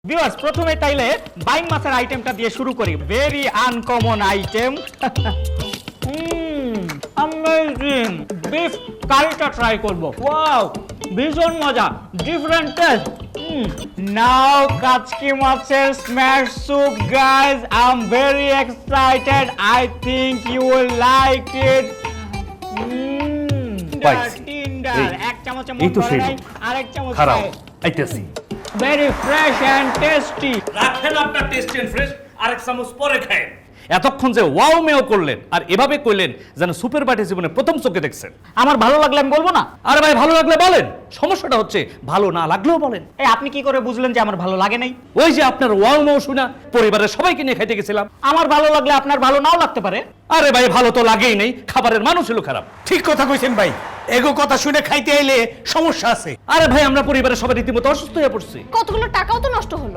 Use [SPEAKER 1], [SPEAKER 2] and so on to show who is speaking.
[SPEAKER 1] Viewers প্রথমে তাইলে buying মাছের আইটেমটা দিয়ে শুরু করি। Very uncommon item. Amazing. Beef কারিটা ট্রাই করব। ওয়াও, ভীষণ মজা, ডিফারেন্ট টেস্ট। নাও কাচকি মাছের smash soup guys. I am very excited. I think you will like it. এক চামচে মন ভরে নাই, আরেক চামচ খাই।
[SPEAKER 2] আইতেছি
[SPEAKER 1] ভেরি ফ্রেশ এন্ড টেস্টি।
[SPEAKER 2] রাখেন আপনার টেস্টি এন্ড ফ্রেশ, আরেক চামচ পরে খায়। এতক্ষণ যে ওয়াও মেও করলেন আর এভাবে কইলেন যেন সুপার বাটি জীবনে প্রথম চোখে দেখছেন।
[SPEAKER 1] আমার ভালো লাগলে আমি বলবো না?
[SPEAKER 2] আরে ভাই ভালো লাগলে বলেন, সমস্যাটা হচ্ছে ভালো না লাগলেও বলেন।
[SPEAKER 1] এই আপনি কি করে বুঝলেন যে আমার ভালো লাগে নাই?
[SPEAKER 2] ওই যে আপনার ওয়াও মেও শুনা পরিবারের সবাইকে নিয়ে খাইতে গেছিলাম।
[SPEAKER 1] আমার ভালো লাগলে আপনার ভালো নাও লাগতে পারে।
[SPEAKER 2] আরে ভাই ভালো তো লাগেই নেই, খাবারের মানুষ হলো খারাপ।
[SPEAKER 3] ঠিক কথা কইছেন ভাই, এগো কথা শুনে খাইতে আইলে সমস্যা আছে।
[SPEAKER 2] আরে ভাই আমরা পরিবারের সবাই রীতিমতো অসুস্থ হয়ে পড়ছি।
[SPEAKER 4] কতগুলো টাকাও তো নষ্ট হলো।